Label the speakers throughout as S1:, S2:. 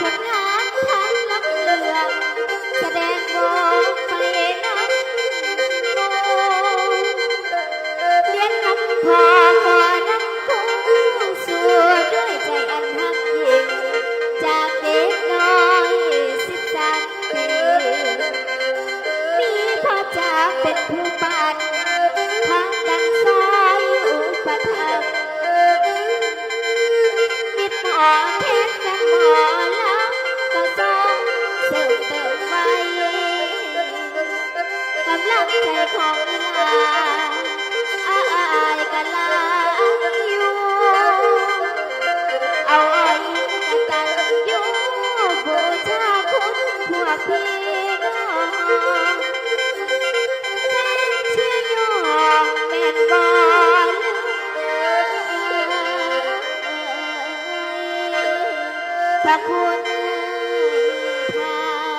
S1: ลงานทางลำเลืองแสดงบอกไปน้ำโมเลี้ยงน้ำพอก่อน้ำคู่สู่ด้วยใจอันหักยิ่งจากเด็กน้อย13 ปีมีพ่อจ๋าเป็นผู้ปั่นทางดังซอยอุปถัมภ์มิตรหมอเทศกันหมอแล้วก็ส่งเสริมเติมไว้กำลังใจของอีหลาอายกันลาอยู่เอาอ้อยกตันอยู่บูชาคุณพวกพี่น้องแม่เชื่อยองแม่นบ่พระคุณค่ะ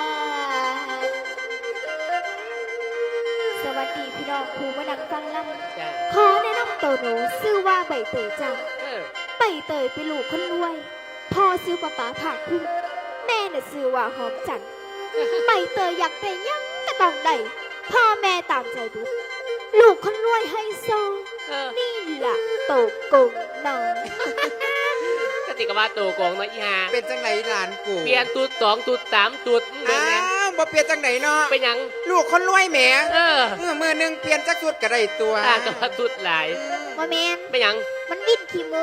S1: สวัสดีพี่น้องครูมาดังฟังลำขอแนะนำตัวหนูชื่อว่าใบเตยจ้าใบเตยเป็นลูกคนรวยพ่อซื้อป้าป๋าผากพุ่งแม่น่ะซื้อว่าหอมจันทร์ใบเตยอยากได้ยังก็ต้องได้พ่อแม่ตามใจบุตรลูกคนรวยให้โซนี่ล่ะโตกงน้อง
S2: ก็ติกว่าตัวกองเนาะอีห่า
S3: เป็นจังไหนหลานกู
S2: เปลี่ยนตูด2ตูด3ตูดเป็น
S3: อ้า
S2: ไง
S3: วบ่เปลี่ยนจังไหนเนาะ
S2: เป็นหยัง
S3: ลูกคนรวยแหม
S2: เ
S3: มือหนึงเปลี่ยนจักสุดก็ได้ตัว
S2: ต่างกับว่าตูดหลาย
S1: ว่าแมน
S2: เป็นหยัง
S1: มันวิ่นขี้หมู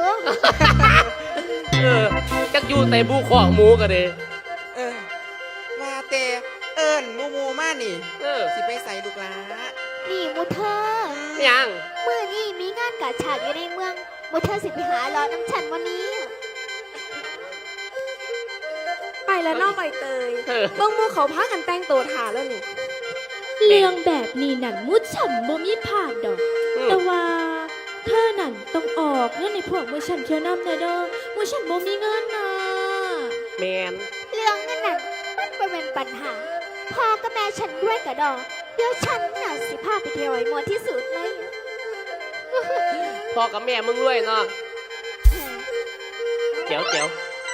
S2: จักอยู่ใส่บูของหมูกันเลย
S3: เออว่าแต่เอิ้นหมู่มานี่
S2: เ
S3: สิไปใส่ลูกหลา
S1: นี่มูเธอ
S2: ป็นหยัง
S1: เมื่อนี้มีงานกาฉากอยู่ในเมืองมูเธอสิไปหารอน้ำฉันวันนี้
S4: ไปแล้วน้องใบเตยเบิ่งหมูเขาพากันแต่งตัวถาแล้วนี่
S5: เรื่องแบบนี้นั่นมุดฉันบ่มีผ่านดอก แต่ว่าเธอนั่นต้องออกเงินในพวกมือฉันเที่ยวนำแน่เด้อมือฉันบ่มีเงินนะ
S2: แมน
S1: เรื่องนั้นน่ะมันบ่เป็นปัญหาพ่อกับแม่ฉันด้วยกระดอกเดี๋ยวฉันน่ะสิพาไปเที่ยวไอ้มวนที่สุดเลย
S2: พ่อกับแม่มึงรวยเนาะเจ๋วเจ๋ว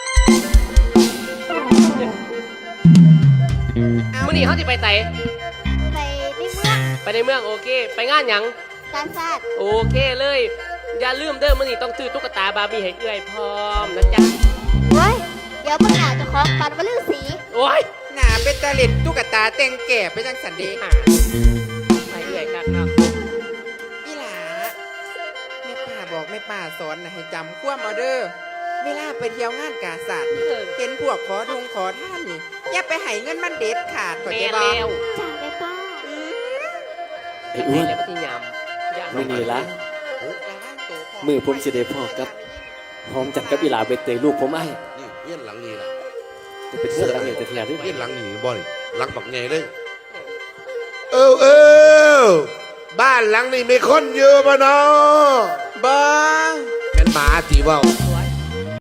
S2: มื่อนี้เขาจะไปไหน
S1: ไปในเมือง
S2: ไปในเมืองโอเค ไปงานหยัง
S1: กาซาด
S2: โอเคเลย อย่าลืมเด้อมื่อนี้ต้องซื้อตุ๊กตาบาร์บี้ให้เอื้อยพร้อมนะจ๊ะ
S1: เว้ยเดี๋ยวเพิ่งหนาเจะของปันวลือสี
S2: โอ้ย
S3: หน้าเป็นตาเล็ดตุ๊กตาแต่งแก่ไปจังสันเดี
S2: หาไปเอื้อยครับ
S3: อีหลาแม่ป้าบอกแม่ป้าสอนนะให้จำความเอาเด้อเวลาไปเที่ยวงานกาศาสตร์นี่เห็นพวกขอทงขอท่านนี่อย่าไปให้เงินมันเด็ดขาดเข้า
S2: แม่
S3: ใจบ่
S2: แล้ว
S1: จ้าแม่ป้า
S6: ไอ้อ้วน
S2: แล้วก็ที่ยำ
S6: ไม่นี่ละ
S3: ระวังตัวพ่
S6: มือผมสิได้พ่อกับหอมจัดกับอีหลาใบเตยลูกผมไอ้
S7: นี่เฮี้ยนหลังนี่ล่ะ
S6: จะเป็นเสื้อหลังเนี่ยแต่เทียด้วย
S7: เฮี้ยนหลังนี่บ่นี่หลังปักใหญ่เลย เออบ้านหลังนี่มีคนอยู่ป่ะเนาะ
S3: บ่
S7: เป็นหมาตีเว่า